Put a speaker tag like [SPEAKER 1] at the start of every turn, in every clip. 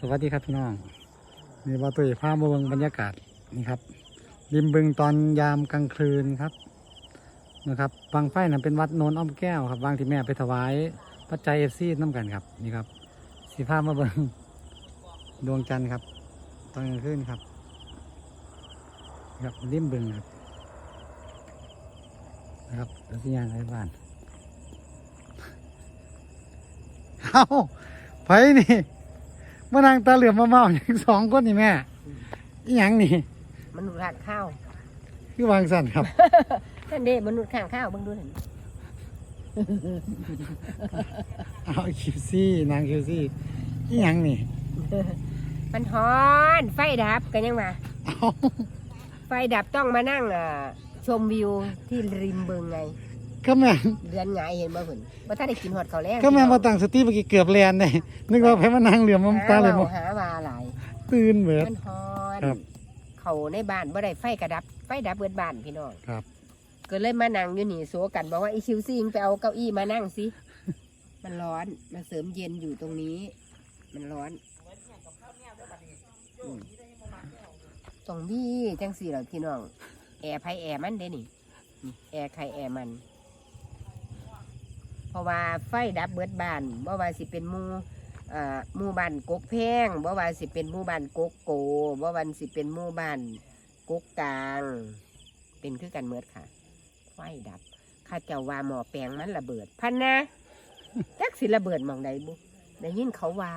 [SPEAKER 1] วัสดีครับพี่น้องนี่ว่าตุ้ยพามาเบิ่งบรรยากาศนี่ครับริมบึงตอนยามกลางคืนครับนะครับบางไฟนั้นเป็นวัดโนนอ้อมแก้วครับบางที่แม่ไปถวายปัจจัยFCน้ำกันครับนี่ครับสีพามาเบิ่งดวงจันทร์ครับตอนกลางคืนครับครับริมบึงครับนะครับแล้วที่ย่างไรบ้านเอาไฟนี่มานั่งตาเหลือมมาเมาอย่างสองคนนี่แม่อีหยังนี่
[SPEAKER 2] มนุษย์ข้างข้าว
[SPEAKER 1] คือวางสั่นครับ
[SPEAKER 2] ท่านเด้มนุษย์ข้างข้าวเบิ่งดูนั่น
[SPEAKER 1] เอาคิวซี่นางคิวซี่อีหยังนี่
[SPEAKER 2] มันฮ้อนไฟดับกันยังมา
[SPEAKER 1] เอา
[SPEAKER 2] ไฟดับต้องมานั่งชมวิวที่ริมบึงไง
[SPEAKER 1] ก็แม่น
[SPEAKER 2] เดือนหงายเห็นบ่หุ่นว่าถ้าได้กินหอดเขาวแล้ง
[SPEAKER 1] ก็แม่นมาตั้งสติเมื่อกี้เกือบแลนเลยนึกว่าไปมานั่งเหลือมมาตาเหลือม
[SPEAKER 2] หาว่าหลาย
[SPEAKER 1] ตื่นเบิด
[SPEAKER 2] มันฮ้อน
[SPEAKER 1] ครับ
[SPEAKER 2] เขาในบ้านบ่ได้ไฟกระดับไฟดับเบิดบ้านพี่น้อง
[SPEAKER 1] ครับ
[SPEAKER 2] ก็เลยมานั่งอยู่นี่โซกันบอกว่าไอ้คิวซี่ไปเอาเก้าอี้มานั่งสิมันร้อนมาเสริมเย็นอยู่ตรงนี้ มันร้อนตรงนี้จังสี่เหรอพี่น้องแอร์ไผแอร์มันเด้นี่แอร์ใครแอร์มัน เพราะว่าไฟดับเบิดบ้านบ่ว่าสิเป็นหมู่บ้านกกแพงบ่ว่าสิเป็นหมู่บ้านกกโกบ่ว่าสิเป็นหมู่บ้านกกกลางเป็นคือกันเมิดค่ะ ไฟดับข้าเจ้าว่าหมอแปลงมันระเบิดพันนะจักสิระเบิดหมองใดบุได้ยินเขาว่า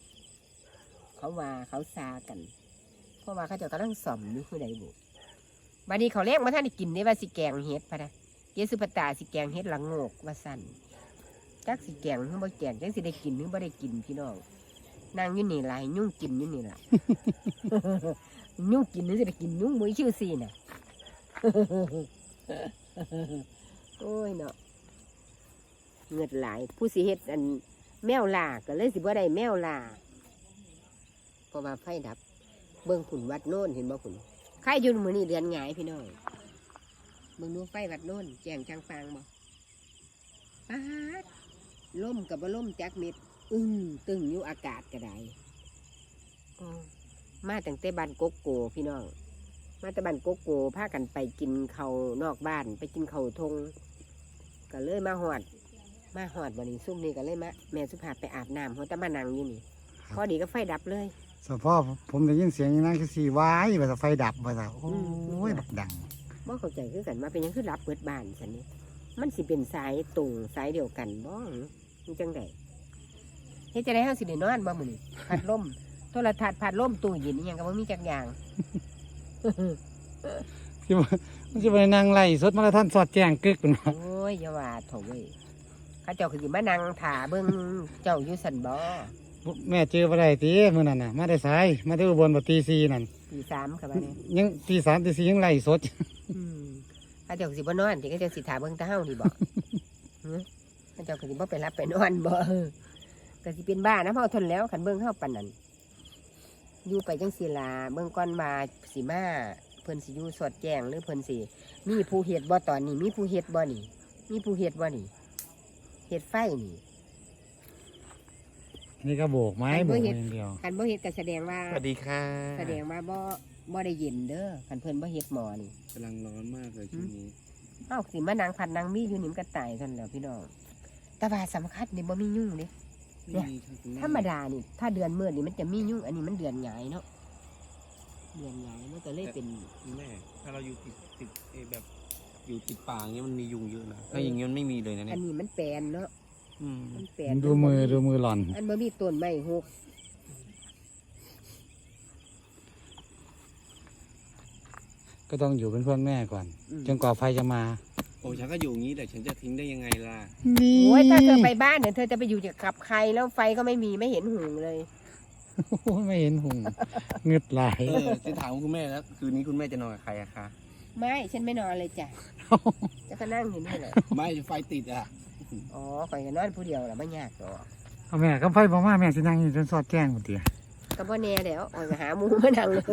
[SPEAKER 2] เขาซากัน เพราะว่าข้าเจ้ากำลังซ่อมอยู่คือใดบุบัดนี้เขาเรียกมาท่านได้กินได้ว่าสิแกงเฮ็ดพะนะเยสุปตาสิแกงเฮ็ดหลังโงกว่าสั่นจักสิแกงหรือบ่แกงจักสิได้กินหรือบ่ได้กินพี่น้องนางอยู่นี่หลายยุ่งกินอยู่นี่ล่ะ ยุ่งกินหรือสิได้กินยุ่งมือชื่อซีน่ะ โอ้ยเนาะเงือดหลายผู้สิเฮ็ดอันแมวล่าก็เลยสิบ่ได้แมวล่าเพราะว่าไฟดับเบิ่งผุ่นวัดโน่นเห็นบ่ผุ่นใครอยู่มื้อนี้เดือนหงายพี่น้องเบิ่งดูไฟวัดโน่นแจ้งจางฟางบ่ปาดล่มกับบ่ล่มจักเม็ดตึงอยู่อากาศก็ได้มาตั้งแต่บ้านกกโกพี่น้องมาแต่บ้านโกโก้พากันไปกินเขานอกบ้านไปกินเขาทงก็เลยมาหอดวันนี้ซุ่มนี่ก็เลยมาแม่สุภาพไปอาบน้ำหัวตะมานังอยู่นี่พอดีก็ไฟดับเลย
[SPEAKER 1] สพอผมได้ยินเสียงนางคิวซี่ว้ายว่าจะไฟดับว่าจะโอ้ยบักดัง
[SPEAKER 2] บ่เข้าใจคือกันมาเป็นหยังคือรับเปิดบ้านสันนี่มันสิเป็นสายตรงสายเดียวกันบ่มันจังไดเฮ็ดจะได้เฮาสิได้นอนบ่มื้อนี้พัดลมโทรทัศน์พัดลมตู้เย็นอีหยังก็บ่มีจักอย่าง
[SPEAKER 1] ที่ว่ามันจะไปนั่งไล่สดมาแล้วท่านสอดแจ้งกึกเป็นว่า
[SPEAKER 2] โอ้ยอย่าว่าโถเว้ยเขาเจ้าคือสิมานั่งถ่าเบิ่งเจ้าอยู่สันบ่
[SPEAKER 1] แม่เจอบ่ได้ตีมื้อนั้นน่ะมาได้สายมาได้อุบลบ่ตี4นั่น
[SPEAKER 2] ตีสามครับเนี่ย
[SPEAKER 1] ยังตี3ตี4ยังไล่สด
[SPEAKER 2] เขาเจ้าสิบ่นอนที่เขาเจ้าสิถ่าเบิ่งตาเฮานี่บ่ เขาเจ้าก็สิบ่ไปรับไปนอนบ่ก็สิเป็นบ้านะเพราะทนแล้วคันเบิ่งเฮาปานนั้นอยู่ไปจังซี่ล่ะเบิ่งก่อนมาสิมาเพิ่นสิอยู่สอดแจ้งหรือเพิ่นสิมีผู้เฮ็ดบ่ตอนนี้มีผู้เฮ็ดบ่นี่มีผู้เฮ็ดบ่นี่เฮ็ดไฟนี่
[SPEAKER 1] นี่ก็โบกไม้โบกอย่างเดียว
[SPEAKER 2] คันบ่เฮ็ดก็แสดงว่า
[SPEAKER 3] สวัสดีค่ะ
[SPEAKER 2] แสดงว่าบ่ได้เย็นเด้อคันเพิ่นบ่เฮ็ดหมอนี่
[SPEAKER 3] กำลังร้อนมากเลยช่วงนี้
[SPEAKER 2] เอ้าสิมานั่งพัดนั่งมีอยู่นี่มันก็ตายซั่นแหล้วพี่น้องแต่ว่าสำคัญนี่บ่มียุ่งเด้ เนี่ย
[SPEAKER 3] ไม่มีค่ะคุณแม่
[SPEAKER 2] ธรรมดานี่ถ้าเดือนมืดนี่มันจะมียุ่งอันนี้มันเดือนหงายเนาะเดือนหงายมันก็เลยเป็น
[SPEAKER 3] คุณแม่ ถ้าเราอยู่ติดแบบอยู่ติดป่าอย่างเงี้ยมันมียุงเยอะนะถ้าอย่างเงี้ยมันไม่มีเลยนะ
[SPEAKER 2] อั
[SPEAKER 3] เนี่ย
[SPEAKER 2] นนี้มันแปลนเนาะ
[SPEAKER 3] อืม
[SPEAKER 2] มันแปลน
[SPEAKER 1] ดูมือหล่อน
[SPEAKER 2] อันบ่มีต้นไม้หก
[SPEAKER 1] ก็ต้องอยู่เป็นเพื่อนแม่ก่อนจนกว่าไฟจะมา
[SPEAKER 3] โอ้ฉันก็อยู่อย่างนี้แต่ฉันจะทิ้งได้ยังไงล่ะ
[SPEAKER 1] นี่
[SPEAKER 2] โอ้ยถ้าเธอไปบ้านเนี่ยเธอจะไปอยู่กับใครแล้วไฟก็ไม่มีไม่เห็นหุงเลย
[SPEAKER 1] โอ้ยไม่เห็นหุงเงึดหลาย
[SPEAKER 3] จะถามคุณแม่แล้วคืนนี้คุณแม่จะนอนกับใครอะคะ
[SPEAKER 2] ไม่ฉันไม่นอนเลยจ้ะจะก็นั่งอยู่นี่แหละ
[SPEAKER 3] ไม่ไฟติดอะ
[SPEAKER 2] อ๋อข่อยก็นอนผู้เดียวแหละไม่ยากหรอก
[SPEAKER 1] เอาแม่ก็ไฟบอกว่าแม่สินั่งอยู่จนสอดแจ้งหมดเดียว
[SPEAKER 2] ก็บ่แน่แล้วข่อยก็หาหมูมานั่งเลย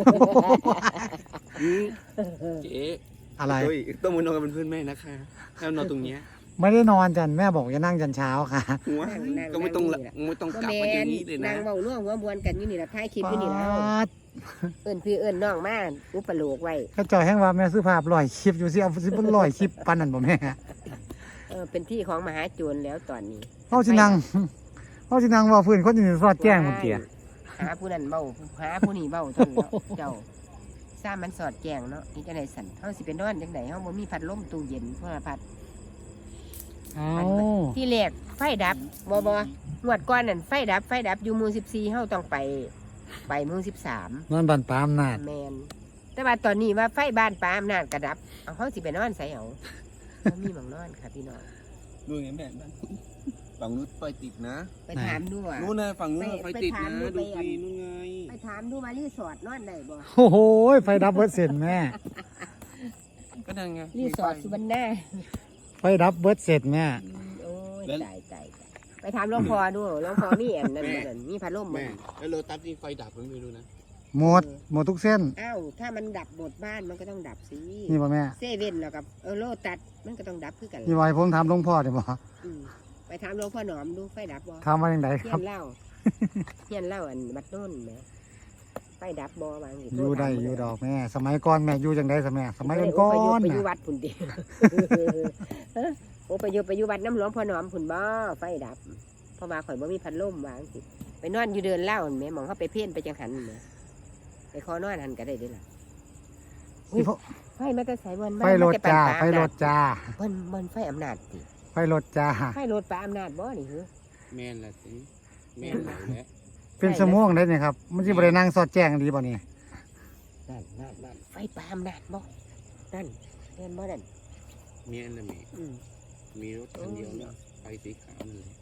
[SPEAKER 3] เจ๊
[SPEAKER 1] อะไร
[SPEAKER 3] เฮ้ยต้องมานอนกันเป็นเพื่อนแม่นะคะแล้วนอนตรงเนี้ย
[SPEAKER 1] ไม่ได้นอนจันแม่บอกจะนั่งจันเช้าค่ะ
[SPEAKER 3] หัว
[SPEAKER 2] นั่ง
[SPEAKER 3] ก็ไม่ต้อง
[SPEAKER 2] นั่งนี่แหละ
[SPEAKER 3] ไม่ต้อง
[SPEAKER 2] ก็
[SPEAKER 3] กลับ
[SPEAKER 2] แม่
[SPEAKER 3] มาอย่างนี้เลย
[SPEAKER 2] นา
[SPEAKER 3] นะ
[SPEAKER 2] งเว้าร่วงหัวบวนกันอยู่นี่ล่ะท้ายคลิปอยู่นี่แล้ว
[SPEAKER 1] ปาด
[SPEAKER 2] เอิ้นพี่เอิ้นน้องมาอุปโลกไว้
[SPEAKER 1] ก็จอยแห้งว่าแม่ซื้อภาพลอยคลิปอยู่สิเอาสิบลอยคลิปปันนั่นบ่แม่
[SPEAKER 2] เป็นที่ของมหาโจรแล้วตอนนี้
[SPEAKER 1] เขาสินั่งเขาสินั่งเว่าพื้นคนอื่นสอดแจ้งหมดเตีย
[SPEAKER 2] หาผู้นั้นเบ้าหาผู้นี้เบ้าเท่านั้นแล้วเจ้าซ่ามันสอดแจงเนาะนี่จังได๋สั่นเฮาสิไปนอนจังได๋เฮาบ่มีพัดลมตู้เย็นโทรพัด
[SPEAKER 1] เอา
[SPEAKER 2] ที่แรกไฟดับบ่งวดก่อนนั่นไฟดับอยู่หมู่14เฮาต้องไปหมู่13
[SPEAKER 1] นอนบันปามนาด
[SPEAKER 2] แม่นแต่ว่าตอนนี้ว่าไฟบ้านปาอำนาจก็ดับเอาเฮาสิไปนอนไสเอาบ่มีหม้องนอนค่ะพี่น้อง
[SPEAKER 3] ดูอย่างนี้แม่ฝั่งนู้นไฟติดนะ
[SPEAKER 2] ไปถามดูอ่ะ
[SPEAKER 3] นู้นนะฝั่งนู้นไฟติดนะ
[SPEAKER 2] ไป
[SPEAKER 3] ดู
[SPEAKER 2] ถาม
[SPEAKER 3] สินู่นไง
[SPEAKER 2] ไปถามดูมารีสอร์ทนอนได้บ่
[SPEAKER 1] โอ้โหไฟดับเบิดเสร็จแม่
[SPEAKER 3] ก็นั่นไง
[SPEAKER 2] รีสอร์ทสุวรรณา
[SPEAKER 1] ไฟดับเบิดเสร็จแม่
[SPEAKER 2] โอ้ยตายไปถามหลวงพ่อดูหลวงพ่อมีอันนั้นบ่นั่นมีพัดลมบ่
[SPEAKER 3] แม่แล้วโรตัสที่ไฟดับมันไม่รู้นะ
[SPEAKER 1] หมดทุกเส้น
[SPEAKER 2] อ้าวถ้ามันดับหมดบ้านมันก็ต้องดับสิ
[SPEAKER 1] นี่ป่ะแม่
[SPEAKER 2] เซเว่นแล้วกับโลตัสมันก็ต้องดับคือกัน
[SPEAKER 1] นี่ไว้ผมถามหลวงพ่อเดี๋ยวบอก
[SPEAKER 2] อืมไปถามหลวงพ่อหนอมดูไฟดับบ่
[SPEAKER 1] ถามว่าอย่างไร
[SPEAKER 2] เฮี
[SPEAKER 1] ค
[SPEAKER 2] ย
[SPEAKER 1] รับ
[SPEAKER 2] นเล่า เฮียนเล่าอันบัดโน่นแหมไฟดับบ่บางที
[SPEAKER 1] อยู่ได้อยู่ดอกแม่ สมัยก่อนแม่อยู่จังไดสมัยก่อน
[SPEAKER 2] ไป
[SPEAKER 1] ๆ
[SPEAKER 2] อยู่
[SPEAKER 1] น่ะ
[SPEAKER 2] วัดพุ่นดิ โอ้ไปอยู่วัดน้ำหลวงพ่อหนอมพุ่นบ่ไฟดับเพราะว่าข่อยบ่มีพัดลมวางสิไปนอนอยู่เดินเล่าแหม่หมองเขาไปเพ่นไปจังหันแหม่ไปขอนอนหันก็ได้เด้ล่ะ
[SPEAKER 1] นี่พวก
[SPEAKER 2] ไฟมาแต่สายวัน
[SPEAKER 1] ไฟรถจ้าไฟรถจ้า
[SPEAKER 2] มันไฟอำนาจติ
[SPEAKER 1] ไฟรถจ้า
[SPEAKER 2] ไฟรถปลาอำนาจบ่นี่เหรอ
[SPEAKER 3] แม่นละสิแม่นไหนแหละ
[SPEAKER 1] เป็นสมองได้เนี่ยครับมันจะบรินั่งสอดแจ้งดีบ่นี่
[SPEAKER 2] นั่นไฟปลาอำนาจบ่นั่นเห็นบ่นั่น
[SPEAKER 3] แม่นละแม่
[SPEAKER 2] อืม
[SPEAKER 3] มีรถคันเดียวนะไฟสีขาวนั่นเลย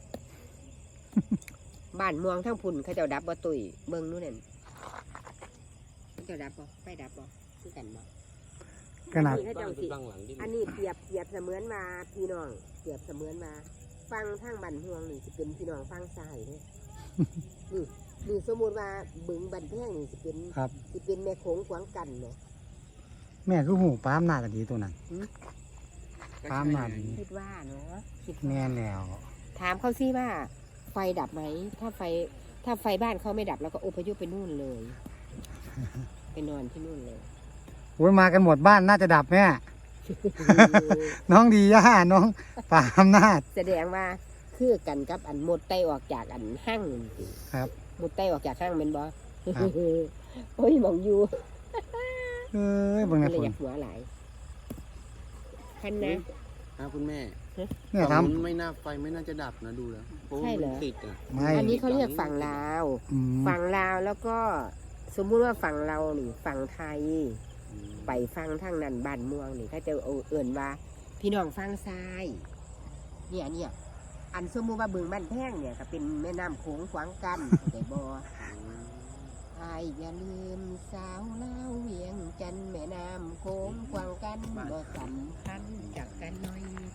[SPEAKER 2] บ้านเมืองทั้งพุ่นเขาเจ้าดับบ่ตุยเบิ่งนู่นนั่นเขาเจ้าดับบ่ไฟดับบ่คือกันบ่
[SPEAKER 1] ขนาด
[SPEAKER 2] เขาเจ้าสิ
[SPEAKER 3] บ้างหลังที่
[SPEAKER 2] อันนี้เปรียบเสมือนมาพี่น้องเปรียบเสมือนมาฟังทางบ้านเมืองนี่สิเป็นพี่น้องฟังซ้ายเด้ นี่สมมุติว่าบึงบันแพงนี่สิเป็น
[SPEAKER 1] ครับ
[SPEAKER 2] สิเป็นแม่โขงขวางกันเนาะ
[SPEAKER 1] แม่คือหูปามหน้ากันดีตัวนั้น ตามนั้น
[SPEAKER 2] คิดว่าเนาะคิด
[SPEAKER 1] แม่
[SPEAKER 2] ว่า
[SPEAKER 1] แล้ว
[SPEAKER 2] ถามเขาสิว่า ไฟดับไหมถ้าไฟบ้านเขาไม่ดับแล้วก็อพยพไปนู่นเลย ไปนอนที่นู่นเลย
[SPEAKER 1] โอ้ยมากันหมดบ้านน่าจะดับแม่ น้องดีย่าน้องปามนาด
[SPEAKER 2] แสดงว่าคือกันกับอันหมดไตออกจากอันห้างนี่สิ
[SPEAKER 1] ครับ
[SPEAKER 2] หมดไตออกจากห้างเป็นบ่
[SPEAKER 1] ครับ
[SPEAKER 2] โอ้ยหมองอยู่
[SPEAKER 1] เอ้ยเบิ่ง
[SPEAKER 2] เล
[SPEAKER 1] นะ
[SPEAKER 2] ย
[SPEAKER 1] ฝ
[SPEAKER 2] อน ยากหัวหลายคันนะ
[SPEAKER 3] ครับคุณแม่
[SPEAKER 1] เนี่ย
[SPEAKER 3] ฝั่ง
[SPEAKER 1] ทำ
[SPEAKER 3] นู้นไม่น่าไฟไม่น่าจะดับนะดูแล้วเพราะว่า
[SPEAKER 2] ใช่เหร
[SPEAKER 3] มั
[SPEAKER 2] อ
[SPEAKER 3] นติดอ่ะ
[SPEAKER 1] ไม่
[SPEAKER 2] อันนี้เขาเรียกฝั่งลาว
[SPEAKER 1] อืม
[SPEAKER 2] ฝั่งลาวแล้วก็สมมุติว่าฝั่งเรานี่ฝั่งไทย ไปฟังทางนั้นบ้านเมืองนี่เขาจะเอาเอื่นว่า พี่น้องฟังซ้าย เนี่ยอันสมมุติว่าบึงบ้านแพงเนี่ยก็เป็นแม่น้ำโขงขวางกันแต่บ่อายอย่าลืมสาวเล่าวเวียงจันทน์แม่น้ำโขงขวางกันบ่สำคัญจากกันหน่อย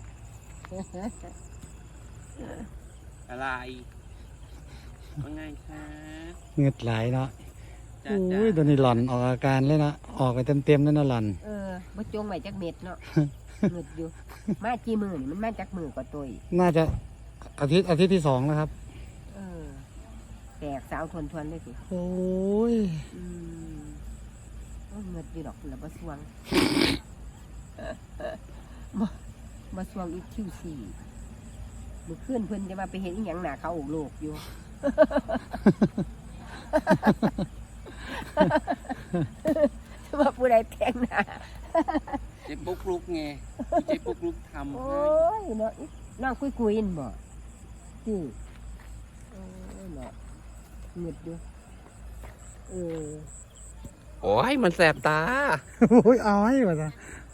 [SPEAKER 3] อะไรว่าไงคะ
[SPEAKER 1] เงือดไหลเนาะ
[SPEAKER 3] จ้า
[SPEAKER 1] โอ้
[SPEAKER 3] จ้าย
[SPEAKER 1] ตัวนี้หล่อนออกอาการเลยนะออกไปเต็มๆเลยนะหล่อน
[SPEAKER 2] บ่จงไว้จักเม็ดเนาะ เงึดอยู่ มากี่มือนี่มันมาจากมือกว่าตัวอีก
[SPEAKER 1] น่าจะอาทิตย์ที่2แล้วครับ
[SPEAKER 2] แตกสาวทวนๆเลยสิ
[SPEAKER 1] โอ้ย
[SPEAKER 2] เงืดอยู่ดอกแล้วบ่สวง บ่สวงอีกคิวสี่มือขึ้นเพิ่นจะมาไปเห็นอีหยังหนาเขาโอกโลกอยู่ ว่าผู้ใดแต่งหน้า
[SPEAKER 3] เจ๊ปุ๊กลุกไงเจ๊ปุ๊กลุกทำ
[SPEAKER 2] โอ้
[SPEAKER 3] ให้
[SPEAKER 2] ยเนาะน้องคุยๆนบ่ที่โอ้ยเนาะเงืดอยู่
[SPEAKER 3] โอ้ยมันแสบตา
[SPEAKER 1] โอ้ยเอาให้มาซะ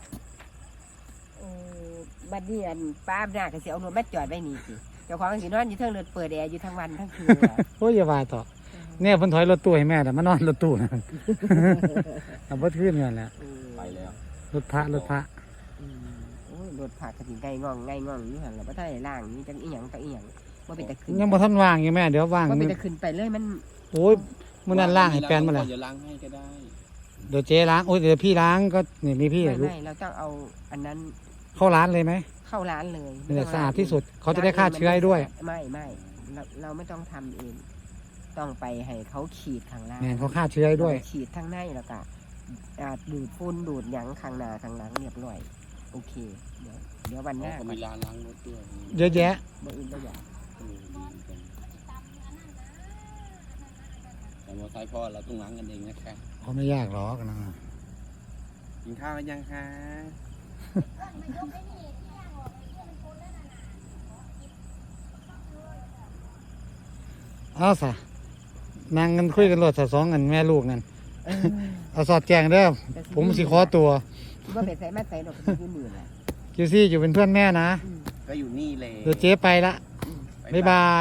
[SPEAKER 2] บัดนี้อันป้าอำนาจก็สิเอารถมาจอดไว้นี่สิเจ้าของก็สินอนอยู่เทิงรถเปิดแอร์อยู่ทั้งวันทั้งคืนอะ
[SPEAKER 1] โอ้ยอย่าว่าต่อเนี่ยเพิ่นถอยรถตู้ให้แม่แต่มานอนรถตู้นะ เอาบ่ขึ้นกันแหล้ว
[SPEAKER 3] ไปแล้ว
[SPEAKER 1] รถพระ
[SPEAKER 2] โอ้ยรถผ่ากระถิ่นไก่ง่องอยู่หั่นแล้วบ่ทันได้ล้างนี่จังอีหยังจังอีหยังบ่เป็นตะขึ้น
[SPEAKER 1] ยังบ่ทันว่างอยู่แม่เดี๋ยวว่าง
[SPEAKER 2] บ่เป็นตะขึ้นไปเลยมัน
[SPEAKER 1] โอ้ยมื้อนั้นล้างให้แปลนมาแล้ว
[SPEAKER 3] เดี๋ยวล้างให้ก็ได้
[SPEAKER 1] เดี๋ยวเจ๊ล้างโอ้ยเดี๋ยวพี่ล้างก็นี่มีพี่
[SPEAKER 2] ไม่
[SPEAKER 1] ลูก
[SPEAKER 2] เราต้องเอาอันนั้น
[SPEAKER 1] เข้าร้านเลยไหม
[SPEAKER 2] เข้าร้านเลย
[SPEAKER 1] นี่แหละสะอาดที่สุดเขาจะได้ฆ่าเชื้อให้ด้วย
[SPEAKER 2] ไม่เราไม่ต้องทำเองต้องไปให้เขาฉีดข้างล่าง
[SPEAKER 1] แม่นเขาฆ่าเชื้อให้ด้วย
[SPEAKER 2] ฉีดทั้งในแล้วก็ดูดฝุ่นดูดหยังข้างหน้าข้างหลังเรียบร้อยโอเคเดี๋ยววันหน้า
[SPEAKER 3] เขา
[SPEAKER 2] ก่อน
[SPEAKER 3] มีร้านล้างรถด้วย
[SPEAKER 1] เยอะแยะ
[SPEAKER 2] บ่อื่นบ่อยาก
[SPEAKER 3] ดีเหมือนกันแต่มอเตอร์ไซค์พ่อเราต้องล้างกันเองนะคะ
[SPEAKER 1] เขาไม่ยากหรอกนะ
[SPEAKER 3] กินข้าวกันยังคะ
[SPEAKER 1] เอาซะนั่งกันคุยกันรถสองกันแม่ลูกนั่น
[SPEAKER 2] เออ
[SPEAKER 1] เอาสอดแจงเด้อผมสิขอตัว
[SPEAKER 2] คิดว่าไปใส่มาใส่ดอกก็อยู่นี่แหละ
[SPEAKER 1] คิวซี่อยู่เป็นเพื่อนแม่นะ
[SPEAKER 3] ก็อยู่นี่เลย
[SPEAKER 1] เดี๋ยวเจ๊ไปละบ๊ายบาย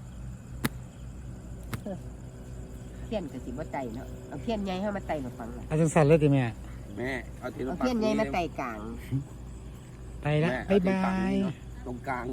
[SPEAKER 2] เพี้ยนก็สิบ่ไต่เนาะเอาเพี้ยนใหญ่ให้มาไต่หนูฟังน่ะ
[SPEAKER 1] อาจารย์สันเลยติแม่
[SPEAKER 3] แม่เอาทีละ
[SPEAKER 2] เอาเพี้ยนใหญ่มาไต่กลาง
[SPEAKER 1] ไปละ
[SPEAKER 3] แม่
[SPEAKER 1] บ๊าย
[SPEAKER 3] เอที
[SPEAKER 1] บา
[SPEAKER 3] ฝั่ง
[SPEAKER 1] ย
[SPEAKER 3] นี้เนอะตรงกลาง